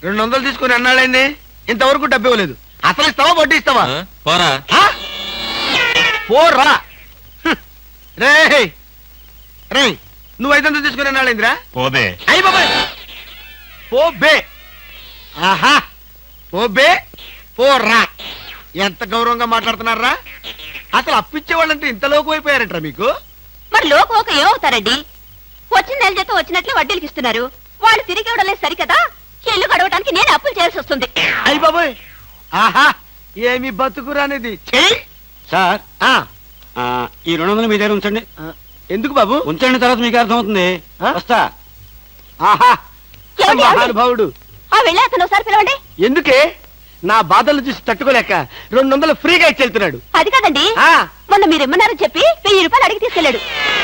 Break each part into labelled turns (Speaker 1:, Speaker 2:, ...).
Speaker 1: 200 తీసుకుని అన్నాడైంది, ఇంతవరకు డబ్బు ఇవ్వలేదు. అసలు ఇస్తావా వడ్డీ ఇస్తావా?
Speaker 2: పోరా
Speaker 1: పోరా. రే రే, నువ్వు 500 తీసుకుని అన్నాడైందిరా?
Speaker 2: పోదే.
Speaker 1: అయ్యి బాబాయ్, పోబే. ఆహా, పోబే పోరా. ఎంత గౌరవంగా మాట్లాడుతున్నారా? అసలు అప్పిచ్చే వాళ్ళంటే ఇంత లోకు అయిపోయారంటారా మీకు?
Speaker 3: మరి లోకోక ఏమవుతారండి? వచ్చిన నెల జీతం వచ్చినట్లు వడ్డీలకి ఇస్తున్నారు. వాళ్ళు తిరిగి ఇవ్వడం లేదు సరికదా, ఇల్లు గడవడానికి నేను అప్పులు చేయాల్సి వస్తుంది.
Speaker 1: అయ్యి బాబాయ్, ఆహా, ఏమి బతుకురానిది.
Speaker 4: సార్ ఈ 200 మీ దగ్గర ఉంచండి.
Speaker 1: ఎందుకు బాబు?
Speaker 4: ఉంచండి, తర్వాత మీకు అర్థమవుతుంది. వస్తా.
Speaker 1: ఆహా,
Speaker 3: ఏమండి,
Speaker 1: మహానుభావుడు.
Speaker 3: వెళ్ళి అతను ఒకసారి పిలవండి.
Speaker 1: ఎందుకే? నా బాధలు చూసి తట్టుకోలేక 200 ఫ్రీగా ఇచ్చి వెళ్తున్నాడు.
Speaker 3: అది కాదండి, మొన్న మీరు ఇమ్మన్నారని చెప్పి 1000 రూపాయలు అడిగి తీసుకెళ్ళాడు.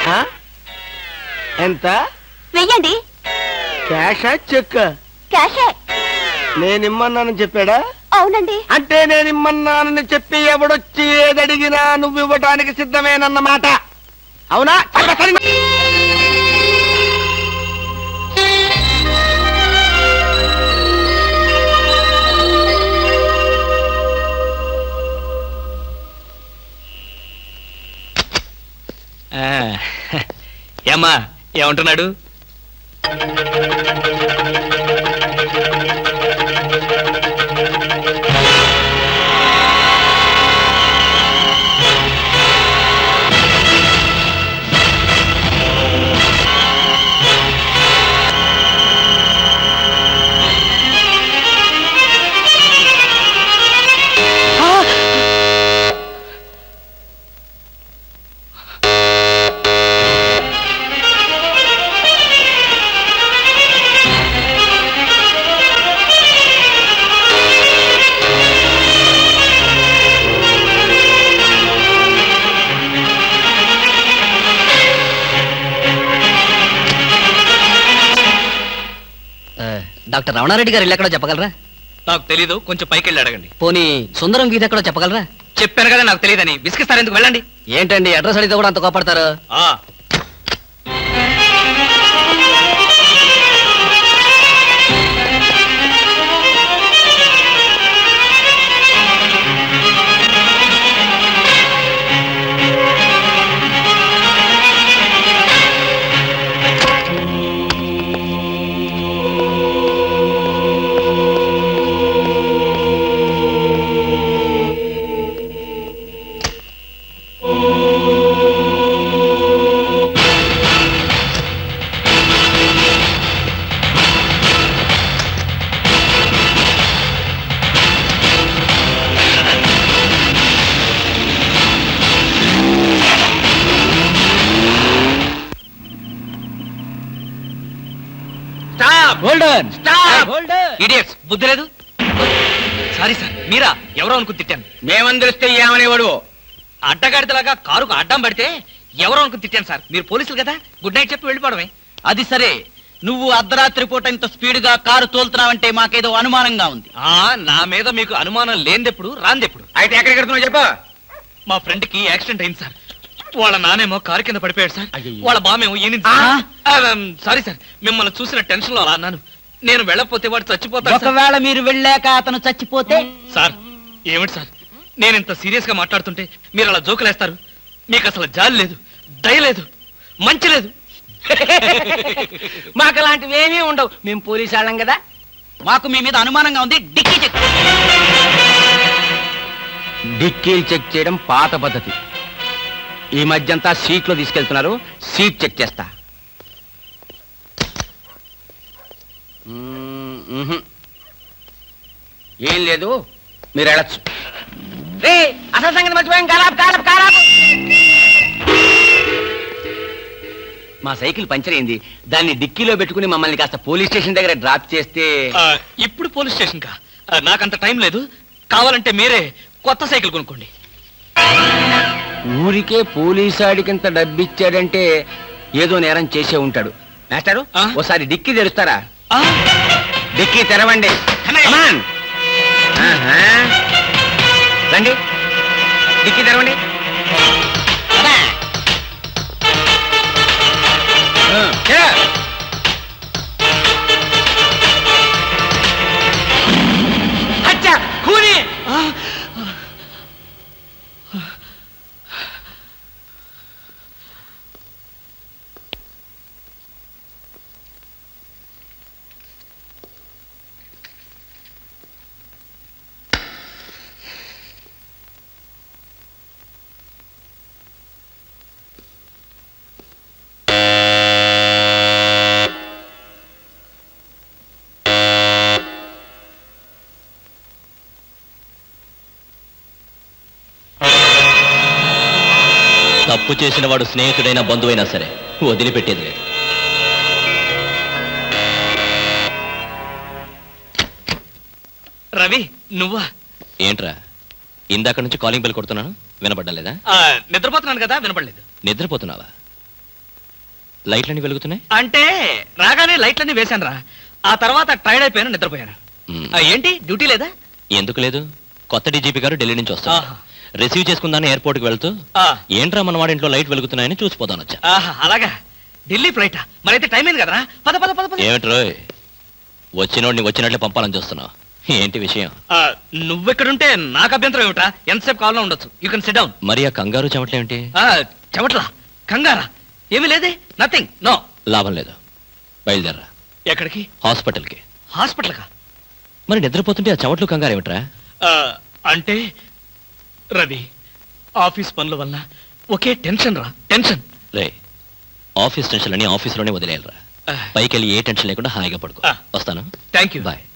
Speaker 1: ఎంత?
Speaker 3: 1000 అండి.
Speaker 1: క్యాషా చెక్?
Speaker 3: క్యాషే.
Speaker 1: నేనిమ్మన్నానని చెప్పాడా?
Speaker 3: అవునండి.
Speaker 1: అంటే నేనిమ్మన్నానని చెప్పి ఎవడొచ్చి ఏదడిగినా నువ్వు ఇవ్వటానికి సిద్ధమేనన్నమాట, అవునా?
Speaker 2: ఏమ్మా, ఏమంటున్నాడు?
Speaker 5: డాక్టర్ రమణారెడ్డి గారు ఎక్కడో చెప్పగలరా?
Speaker 2: నాకు తెలీదు, కొంచెం పైకి వెళ్ళి అడగండి.
Speaker 5: పోనీ సుందరం గీత ఎక్కడో చెప్పగలరా?
Speaker 2: చెప్పాను కదా నాకు తెలియదని. విసిగిస్తారు ఎందుకు? వెళ్ళండి.
Speaker 5: ఏంటండి అడ్రస్ అడిగితే కూడా అంత కోపడతారు?
Speaker 2: ఇడియట్స్, బుద్ధి లేదు. సారీ సార్, మీరా? ఎవరో అనుకుని తిట్టాను.
Speaker 4: మేమందరిస్తే ఏమనేవాడు?
Speaker 2: అడ్డగాడిదలాగా కారుకు అడ్డం పడితే ఎవరో అనుకుని తిట్టాను సార్. మీరు పోలీసులు కదా, గుడ్ నైట్ చెప్పి వెళ్ళిపోవడమే.
Speaker 5: అది సరే, నువ్వు అర్ధరాత్రి పూట ఇంత స్పీడ్ గా కారు తోలుతున్నావంటే మాకేదో అనుమానంగా ఉంది.
Speaker 2: నా మీద మీకు అనుమానం లేనిదెప్పుడు, రాందెప్పుడు?
Speaker 4: అయితే ఎక్కడికి వెళ్తున్నావు చెప్పు.
Speaker 2: మా ఫ్రెండ్ కి యాక్సిడెంట్ అయింది సార్. వాళ్ళ నానేమో కారు కింద పడిపోయాడు సార్. వాళ్ళ బామేమో సారీ సార్, మిమ్మల్ని చూసిన టెన్షన్ లో అలా అన్నాను. నేను వెళ్ళకపోతే వాడు చచ్చిపోతాడు.
Speaker 5: ఒకవేళ మీరు వెళ్ళాక అతను చచ్చిపోతే?
Speaker 2: సార్, ఏమిటి సార్, నేను ఇంత సీరియస్ గా మాట్లాడుతుంటే మీరు అలా జోకులేస్తారు? మీకు అసలు జాలి లేదు, దయ లేదు, మంచి లేదు.
Speaker 5: మాకు అలాంటివి ఏమీ ఉండవు. మేము పోలీసు వాళ్ళం కదా. మాకు మీ మీద అనుమానంగా ఉంది. Dicky check.
Speaker 4: డిక్కీలు చెక్ చేయడం పాత పద్ధతి. ఈ మధ్యంతా సీట్లో తీసుకెళ్తున్నారు. సీట్ చెక్ చేస్తా. ఏం లేదు, మీరు వెళ్ళచ్చు.
Speaker 5: అసలు సంగతి మర్చిపోయాం. కారాపు.
Speaker 4: మా సైకిల్ పంచర్ అయింది. దాన్ని డిక్కీలో పెట్టుకుని మమ్మల్ని కాస్త పోలీస్ స్టేషన్ దగ్గర డ్రాప్ చేస్తే.
Speaker 2: ఇప్పుడు పోలీస్ స్టేషన్ కా? నాకంత టైం లేదు. కావాలంటే మీరే కొత్త సైకిల్ కొనుక్కోండి.
Speaker 4: ఊరికే పోలీసాడికింత డబ్బిచ్చాడంటే ఏదో నేరం చేసే ఉంటాడు. మాస్టారు, ఓసారి డిక్కీ తెరుస్తారా? డిక్కీ తెరవండి. రండి, డిక్కీ తెరవండి.
Speaker 1: హత్య, కూని.
Speaker 6: తప్పు చేసిన వాడు స్నేహితుడైనా బంధువైనా సరే వదిలిపెట్టేది లేదు.
Speaker 2: రవి నువ్వా?
Speaker 6: ఏంట్రా ఇందాక నుంచి కాలింగ్ బెల్ కొడుతున్నాను, వినపడ్డం లేదా?
Speaker 2: నిద్రపోతున్నాను కదా, వినపడలేదు.
Speaker 6: నిద్రపోతున్నావా? లైట్లన్నీ వెలుగుతున్నాయి.
Speaker 2: అంటే రాగానే లైట్లన్నీ వేశాను రా. ఆ తర్వాత టైర్డ్ అయిపోయాను, నిద్రపోయాను.
Speaker 6: మ్,
Speaker 2: ఏంటి డ్యూటీ లేదా?
Speaker 6: ఎందుకు లేదు? కొత్త డీజీపీ గారు ఢిల్లీ నుంచి వస్తారు.
Speaker 2: ఆహా.
Speaker 6: రిసీవ్ చేసుకుందాన్ని ఎయిర్పోర్ట్ కి వెళ్తూ
Speaker 2: ఆ,
Speaker 6: ఏంట్రా మన వాడింట్లో లైట్ వెలుగుతున్నాయని చూసిపోతాను వచ్చా.
Speaker 2: ఆహా, అలాగా. ఢిల్లీ ఫ్లైటా? మరైతే టైం అయింది కదరా. పద పద పద పద.
Speaker 6: ఏమిట్రోయ్ వచ్చినోడిని వచ్చినట్లే పంపాలని చూస్తున్నావు, ఏంటి విషయం?
Speaker 2: నువ్వెక్కడుంటే నాకు అభ్యంతరం ఏమిటా? ఎంతసేపు కావాలో ఉండొచ్చు. You can sit down.
Speaker 6: మరి ఆ కంగారు చెమట్లేమిటి?
Speaker 2: చెమట్లా? కంగారా? ఏమీ లేదే, నథింగ్, నో.
Speaker 6: లాభం లేదు, బయలుదేరరా.
Speaker 2: ఎక్కడికి?
Speaker 6: హాస్పిటల్కి.
Speaker 2: హాస్పిటల్కా?
Speaker 6: మరి నిద్రపోతుంటే ఆ చెమట్లు కంగారు ఏమిట్రా?
Speaker 2: అంటే రవి, ఆఫీస్ పనుల వల్ల ఒకే టెన్షన్ రా, టెన్షన్.
Speaker 6: రే ఆఫీస్ టెన్షన్ అని ఆఫీస్లోనే వదిలేయాలరా. పైకి వెళ్ళి ఏ టెన్షన్ లేకుండా హాయిగా పడుకో. వస్తాను.
Speaker 2: Thank you.
Speaker 6: బాయ్.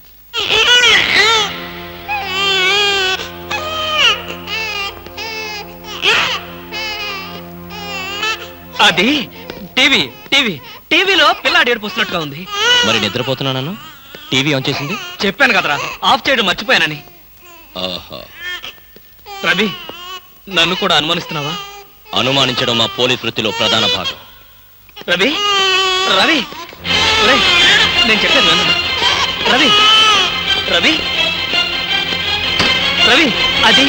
Speaker 2: అది టీవీ టీవీ టీవీలో పిల్లాడి ఏడుపు వస్తున్నట్టుగా ఉంది.
Speaker 6: మరి నిద్రపోతున్నాను, టీవీ ఆన్ చేసింది.
Speaker 2: చెప్పాను కదరా, ఆఫ్ చేయడం మర్చిపోయానని.
Speaker 6: ఓహో,
Speaker 2: రవి నన్ను కూడా అనుమానిస్తున్నావా?
Speaker 6: అనుమానించడం మా పోలీస్ వృత్తిలో ప్రధాన భాగం.
Speaker 2: రవి రవి ఒరేయ్, నేను చెప్పాను విను. రవి రవి రవి అది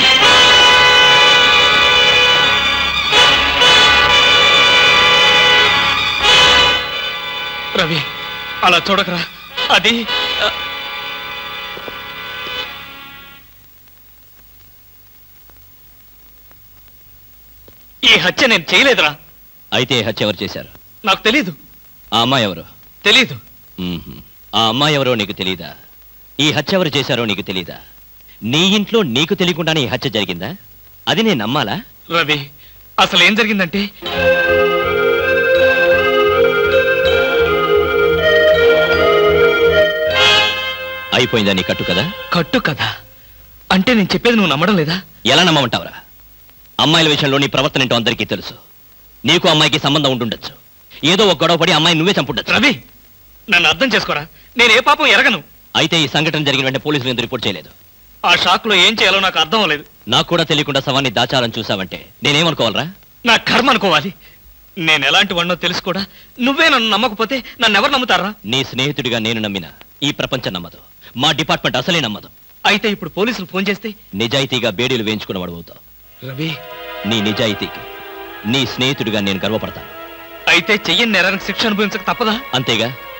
Speaker 2: రవి అలా చూడకరా, అది ఈ హత్య నేను చేయలేదురా.
Speaker 6: అయితే ఈ హత్య ఎవరు చేశారు?
Speaker 2: నాకు తెలీదు.
Speaker 6: ఆ అమ్మాయి ఎవరు?
Speaker 2: తెలీదు.
Speaker 6: మ్మ్హ్మ్. ఆ అమ్మాయి ఎవరో నీకు తెలీదా? ఈ హత్య ఎవరు చేశారో నీకు తెలీదా? నీ ఇంట్లో నీకు తెలియకుండానే ఈ హత్య జరిగిందా? అది నేను నమ్మాలా?
Speaker 2: రవి అసలు ఏం జరిగిందంటే,
Speaker 6: అయిపోయిందా నీ కట్టు కదా?
Speaker 2: కట్టు కదా అంటే నేను చెప్పేది నువ్వు నమ్మడం లేదా?
Speaker 6: ఎలా నమ్మమంటావురా? అమ్మాయిల విషయంలో నీ ప్రవర్తన ఏంటో అందరికీ తెలుసు. నీకు అమ్మాయికి సంబంధం ఉంటుండొచ్చు. ఏదో ఒక గొడవ పడి అమ్మాయి నువ్వే చంపుండొచ్చు.
Speaker 2: రవి నన్ను అర్థం చేసుకోరా, నేను ఏ పాపం ఎరగను.
Speaker 6: అయితే ఈ సంఘటన జరిగిన వెంటనే పోలీసులు ఎందుకు రిపోర్ట్ చేయలేదు?
Speaker 2: ఆ షాక్ లో ఏం చేయాలో నాకు అర్థం అవ్వలేదు.
Speaker 6: నాకు కూడా తెలియకుండా శవాన్ని దాచాలని చూసావంటే నేనేమనుకోవాలరా?
Speaker 2: నా కర్మ అనుకోవాలి. నేను ఎలాంటి వాడినో తెలుసు కూడా నువ్వే నన్ను నమ్మకపోతే నన్ను ఎవరు నమ్ముతారా?
Speaker 6: నీ స్నేహితుడిగా నేను నమ్మిన ఈ ప్రపంచం నమ్మదు. మా డిపార్ట్మెంట్ అసలే నమ్మదు.
Speaker 2: అయితే ఇప్పుడు పోలీసులు ఫోన్ చేస్తే
Speaker 6: నిజాయితీగా బేడీలు వేయించుకున్నవాడు అవుతావు.
Speaker 2: రవి
Speaker 6: నీ నిజాయితీకి నీ స్నేహితుడిగా నేను గర్వపడతాను.
Speaker 2: అయితే చెయ్యని నేరానికి శిక్ష అనుభవించక తప్పదా?
Speaker 6: అంతేగా,